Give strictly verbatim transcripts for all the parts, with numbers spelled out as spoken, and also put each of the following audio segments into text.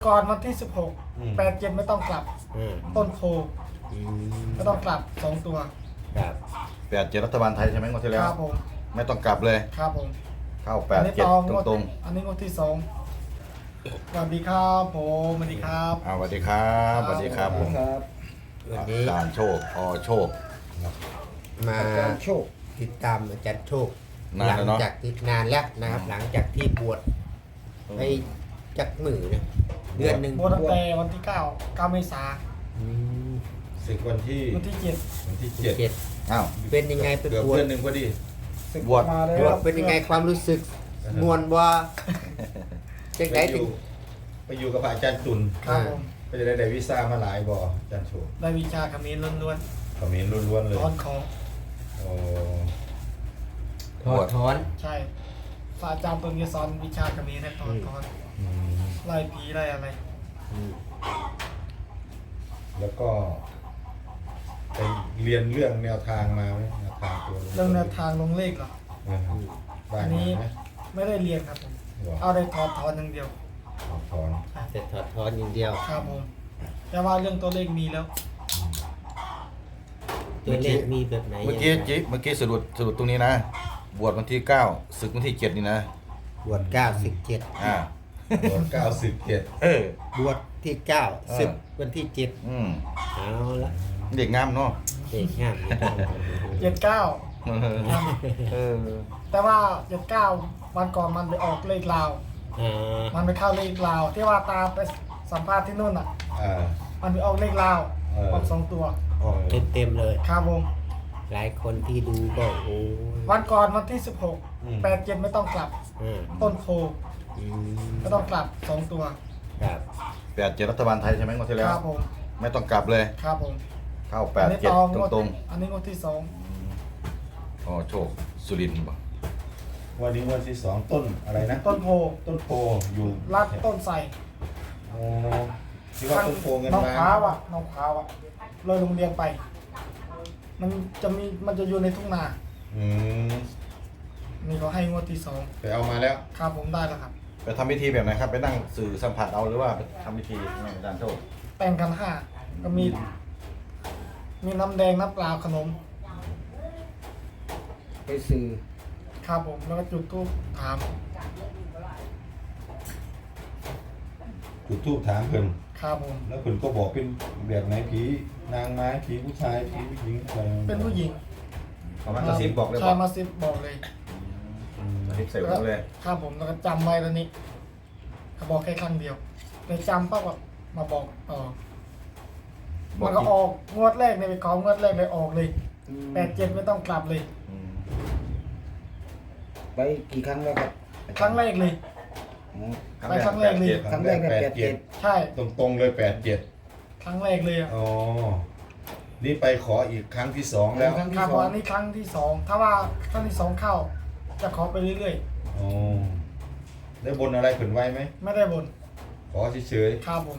ก่อนวันที่สิบหก แปดเจ็ดไม่ต้องกลับอืมต้นโพอืมไม่ต้องกลับสองตัวครับแปดเจ็ดรัฐบาลไทยใช่ไหมงวดที่คแล้วรับผมไม่ต้องกลับเลยครับผมเข้าแปอัดนี้เจ็ดต่องตวดรงอันนี้งวดที่สองสวัสดีครับผมสวัสดีครับๆอ่าสวัสดีครับสวัสดีครับผมครับวันนี้อาจารย์โชคอโชคมาอาจารย์โชคติดตามอาจารย์โชคนานหลัแล้วเนอะจากที่นานแล้วนะครับ หลังจากที่บวชไปจักมือนะเดือนหนึ่งบวชตั้งแต่วันที่เก้าเก้าเมษาอืมศึกวันที่วันที่เจ็ดวันที่เจ็ดเจ็ดอ้าวเป็นยังไงไปเกือบบวชเดือนหนึ่งพอดีศึกบวชมาแล้บววชเป็นยังไงความรู้สึกมวนว่าจากไหนไปอถึงยู่ไปอยู่กับพระอาจารย์ตุลครับผมก็จะได้ได้วีซ่ามาหลายบ่อาจารย์โชคได้วิชาคำนี้ล้วนเขมิ้นล้วนๆเลๆยถอนของโอ้ถอดถอนใช่ศาสตราจารย์ตนจะสอนวิชาคำนี้ให้ถอนถอนอืมไล่ผีไล่อะไรอืมแล้วก็ไปเรียนเรื่องแนวทางมาไหมแนวทางตัวเรื่องแนวทางลงเลขเหรอเออได้อันมานี้ไหมไม่ได้เรียนครับผมบอกเอาได้ถอนถอนอย่างเดียวถอนแต่ถอดถอนอย่างเดียวครับผมแต่ว่าเรื่องตัวเลขมีแล้วตัวเลขมีแบบไหนเมื่อกี้ยังไงจิเมื่อกี้สรุปสรุปตรงนี้นะ บวชวันที่เก้าศึกวันที่เจ็ดนี่นะบวชเก้าสิบเจ็ดอ่าบวชเก้าสิบเจ็ดเออบวชที่เก้าเออสิบวันที่เจ็ดอืมเอาละเด็กงามเนาะเด็กงามอยู่ต้องเจ็ดเก้าเออเออแต่ว่าเจ็ดเก้าวันก่อนมันไปออกเลขลาวอ่ามันไปเข้าเลขลาว ที่ว่าตาไปสัมภาษณ์ที่นู่นอ่ะอ่ามันไปออกเลขลาวเออออกสองตัวออกเต็มเต็มๆเลยครับผมหลายคนที่ดูก็โอ้ยวันก่อนวันที่สิบหก แปดเจ็ดไม่ต้องกลับอ่าต้นโพอืมไม่ต้องกลับสองตัวครับแปดเจ็ดรัฐบาลไทยใช่ไหมงวดที่แล้วครับผมไม่ต้องกลับเลยครับผมเข้าแปอัดนี้เจ็ดต่องตวดรงอันนี้งวดที่สองๆอ๋อโชคสุรินทร์บ่วันนี้วันที่สองต้นอะไรนะต้นโพต้นโพอยู่รัดต้นใส่โอ้ที่ว่าต้นโพเงินน้องล้านขาวอ่ะน้องขาวอ่ะเลยโรงเรียนไป มันจะมีมันจะอยู่ในทุ่งนาอืมนี่เขาให้งวดที่สองไปเอามาแล้วครับผมได้แล้วครับไปทำพิธีแบบไหนครับ ไปนั่งสื่อสัมผัสเอาหรือว่าไปทำพิธียังไงอาจารย์โชคแต่งกันห้าก็มี มีน้ำแดงน้ำเปล่าขนมไปซื้อครับผมแล้วก็จุดธูปถามจุดทูบถามเพิ่นครับผมแล้วเพิ่นก็บอกเป็นแบบไหนผีนางไม้ผีผู้ชายผีผู้หญิงอะไรเป็นผู้หญิงเขามากระซิบบอกเลยใช่บอกมาซิบบอกเลยอืมกระซิบใส่หูเลยครับผมแล้วก็จำไว้แล้วนี้เขาบอกแค่ครั้งเดียวเลยจำปั๊บก็มาบอกต่อบอมักนก็ออกงวดแรกเลยไปของงวดแรกเลยออกเลยแปดเจ็ดไม่ต้องกลับเลยอืมไปกี่ครั้งแล้วครับครั้งแรกเลยอ๋อไปครั้งแรกเลยครั้งแรกเนี่ยแปดเจ็ดใช่ตรงตรงๆเลยแปดเจ็ดครั้งแรกเลยอ่ะอ๋อนี่ไปขออีกครั้งที่สองแล้วครั้งคที่รับสพออง อันนี้ครั้งที่สองถ้าว่าครั้งที่สองเข้า จะขอไปเรื่อยอ๋อได้บนอะไรเพิ่นไว้ไหมๆ ไม่ได้บนขอเฉยครับผม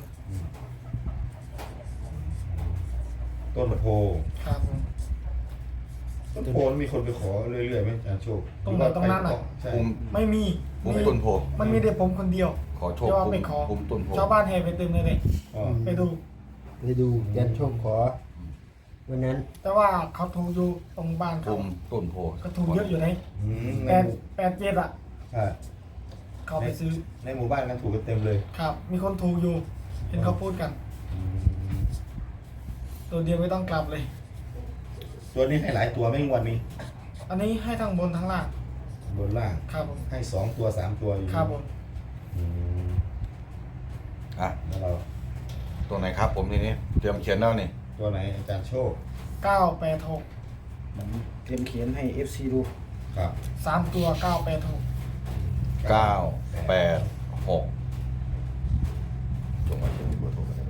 ๆต้นโพครับผมต้นโพนี่มีคนไปขอเรื่อยๆไหมอาจารย์โชคตรงไหนตรงนั้นน่ะใช่ภูมิไม่มีภูมิต้นโพมันมีแต่ผมคนเดียวขอโชคที่ว่าภูไปมิขอภูมิต้นโพชาวบ้านแห่ไปเต็มเลยเลยอ๋อไปดูไปดูอาจารย์โชคขอ วันนั้นแต่ว่าเขาถูกอยู่ตรงบ้านภูเขามิต้นโพก็ถูกเยอะอยู่ไหนอืมแปในดหมู่แปดเจ็ดอ่ะอ่าเขาไปซื้อในหมู่บ้านกันถูกกันเต็มเลยครับ มีคนถูกอยู่ เห็นเขาพูดกัน ตัวเดียวไม่ต้องกลับเลยตัวนี้ให้หลายตัวไหม่งวันนี้อันนี้ให้ทั้งบนทั้งล่างบนล่างครับผมให้สองตัวสามตัวอยู่ครับผมอืมอ่ะแล้วเราตัวไหนครับผมทีนี้เตรียมเขียนแล้วนี่ตัวไหนอาจารย์โชคเก้าแปดหกผมเตรียมเขียนให้ เอฟ ซี ดูครับสามตัวเก้าแปดหกเก้าแปดหกจงไว้เขียนที่เบอร์โทรกันเลย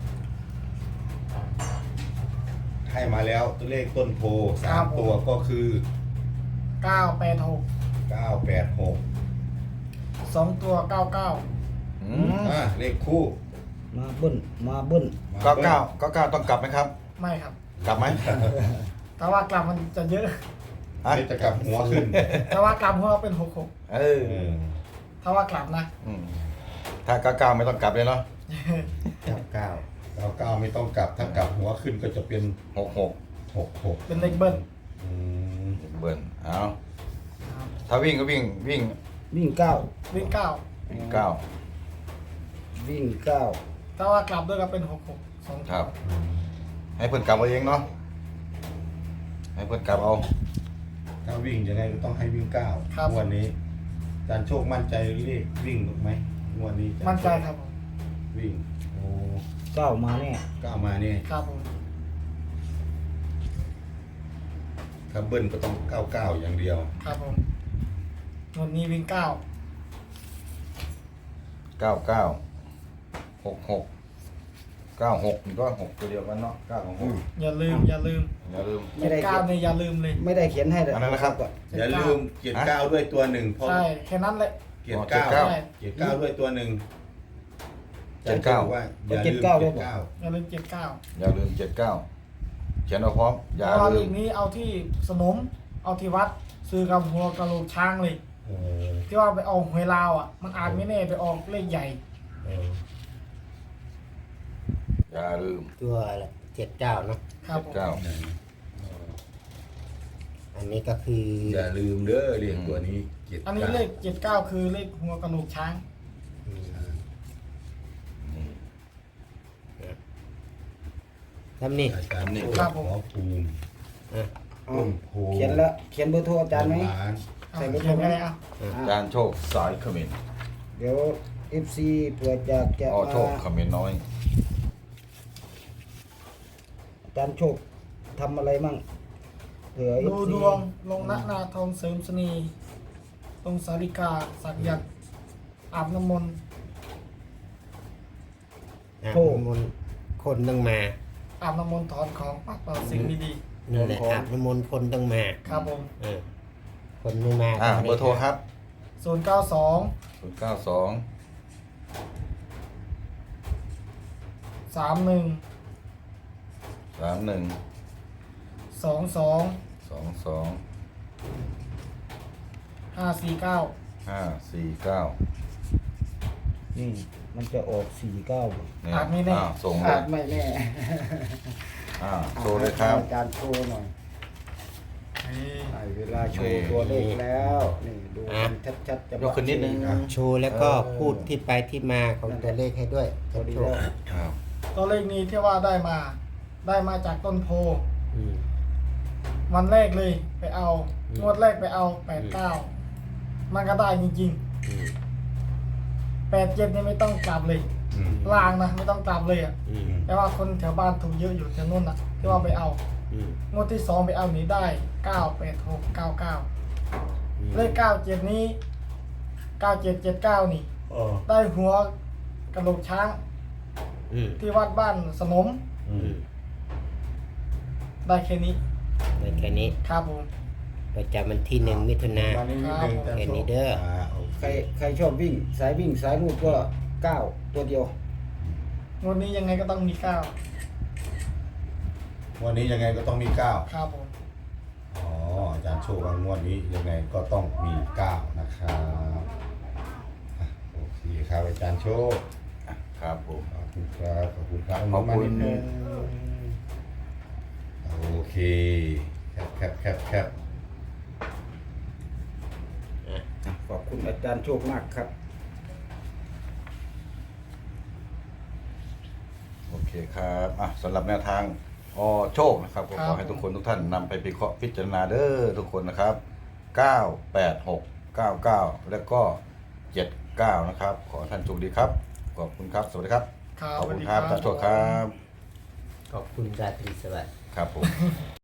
ให้มาแล้วตัวเลขต้นโพสามตัวก็คือเก้าแปดหกเก้าแปดหกสองตัวเก้าเก้าอืมอ่าเลขคู่มาเบิ้ลมาเบิ้ลมเก้าเก้าเก้าเก้าต้องกลับไหมครับไม่ครับกลับไหมถ้าว่ากลับมันจะเยอะฮะเดี๋ยวจะกลับหัวขึ้นถ้าว่ากลับหัวเป็นหกหกเออเออถ้าว่ากลับนะอืมถ้าเก้าเก้าไม่ต้องกลับเลยเนาะเก้าเก้าเก้าเก้าไม่ต้องกลับถ้ากลับหัวขึ้นก็จะเป็นหกหกหกหกเป็นเลขเบิ้ลอืมเบิ้ลเอาครับถ้าวิ่งก็วิ่งวิ่งวิ่งเก้าวิ่งเก้าวิ่งเก้าวิ่งเก้าถ้าว่ากลับด้วยก็เป็นหกหกสองครับ ให้เพื่อนกลับเอาเองเนาะให้เพื่อนกลับเอาถ้าวิ่งยังไงก็ต้องให้วิ่งเก้างวดนี้อาจารย์โชคมั่นใจเลขวิ่งถูกไหมงวดนี้อาารย์มั่นใจครับผมวิ่งโอ้เก้ามาแน่เก้ามาเนี่ยครับผมถ้าเบิ้ลก็ต้องเก้าเก้าอย่างเดียวครับผมงวดนี้วิ่งเก้าเก้าเก้าหกหกเก้าหกนี่ก็หกตัวเดียวกันเนาะเก้าของหกอย่าลืมอย่าลืมอย่าลืมไม่ได้เก้าเขียนเนี่ยอย่าลืมเลยไม่ได้เขียนให้เลยอันนั้นนะครับอย่าลืมเกียรติเก้าด้วยตัวหนึ่งเพราะใช่แค่นั้นแหละเกียรติเก้าอ๋อเกียรติเก้าด้วยตัวหนึ่งเจ็ดเก้าอจรย์บอกว่าอย่าลืมเกียรติเก้าอย่าลืมเจ็ดเก้าอย่าลืมเจ็ดเก้าเขียนเอาพร้อมอย่าเพราะว่าเลลืขมนี้เอาที่สนม เอาที่วัด ซื้อกับหัวกะโหลกช้างเลยโอ้ที่ว่าไปออกหวยลาวอ่ะ มันอาจไม่แน่ไปออกเลขใหญ่เอออย่าลืมตัวอะไรเจ็ดเก้าเนาะครับผมเก้าอันนี้ก็คืออย่าลืมเด้อเรียกตัวนี้เกียรติอันนี้เก้าเลขเจ็ดเก้าคือเลขหัวกะโหลกช้างทำนี่อาจารย์โชครับผมขอภูมิอ่ะเอาต้นโพเขียนแล้วเขียนเบอร์โทรอาจารย์ไหมล้านเอาใส่รถเขียนไปเลยเอาอาจารย์โชคสายเขมิ้นเดี๋ยว เอฟ ซี เผื่อจะจะอ๋อโชคมาเขมิ้นน้อยอาจารย์โชคทำอะไรมั่งเผื่อ เอฟดูซีดวงลงณนาทองเสริมสนีตรงสาริกาสักยันต์อาบน้ำมนต์อ่ะน้ำมนต์คนต้องมาอาบน้ำมนต์ถอนของปัดเป่าสิ่งไม่ดีนั่นแหละอาบน้ำมนต์คนต้องมาครับผมเออคนไม่มาอ่าก็ไม่เบอร์โทรครับศูนย์เก้าสองศูนย์เก้าสองสามหนึ่งสามหนึ่งสองสองสองสองห้าสี่เก้าห้าสี่เก้านี่มันจะออกสี่เก้าเนี่ยอาจไม่แน่อ่าส่งเลอาย จไม่แน่อ่าโชว์เลยครับอาจารย์โชว์หน่อยนี่ได้เวลาโชว์ตัวเลขแล้ว นี่ดูกันชัดๆจะยกขึ้นนิดนึงอ่ะโชว์แล้วก็เออพูดที่ไปที่มาของตัวเลขให้ด้วยพอดีโชแล้วว์ครับตัวเลขนี้ที่ว่าได้มา ได้มาจากต้นโพอืมวันแรกเลยไปเอาอืมงวดแรกไปเอาแปดเก้ามันก็ได้จริงอืมๆแปดเจ็ดนี่ไม่ต้องกลับเลยอืมลางนะไม่ต้องกลับเลยอ่ะอืมแต่ว่าคนแถวบ้านถูกเยอะอยู่แถวนู้นอ่ะที่ว่าไปเอาอืมงวดที่สองไปเอานี้ได้เก้าแปดหกเก้าเก้าอืมเลขเก้าเจ็ดนี้เก้าเจ็ดเจ็ดเก้านี่เออได้หัวกระโหลกช้างอืมที่วัดบ้านสนมอือืมมได้แค่นี้ได้แค่นี้ครับผมประจำวันที่หนึ่งมิถุนาวันนี้นิดนึงอาจารย์แค่โชนี้คเด้ออ่าโอเคใครใครชอบวิ่ง สายวิ่งสายลูกก็เก้าตัวเดียวงวดนี้ยังไงก็ต้องมีเก้าวันนี้ยังไงก็ต้องมีเก้าครับผมอ๋ออาจารย์โชว์ว่างวดนี้ยังไงก็ต้องมีเก้านะครับอ่ะโอเคครับอาจารย์โชคอ่ะครับผมขอบคุณครับขอบคุณครับขอบคุณมานิดนึงโอเคแคปแคปแคปแคปขอบคุณอาจารย์โชคมากครับโอเคครับอ่ะสำหรับแนวทางอโชคนะครับก็ขอให้ทุกคนทุกท่านนำไปพิเคราะห์พิจารณาเด้อทุกคนนะครับเก้า แปด หก เก้า เก้า แล้วก็เจ็ดเก้านะครับ ขอให้ท่านโชคดีครับ ขอบคุณครับ สวัสดีครับครับขอบคุณสวัสดีครับครับอาจารย์โชคครับขอบคุณราตรีสวัสดิ์ครับผม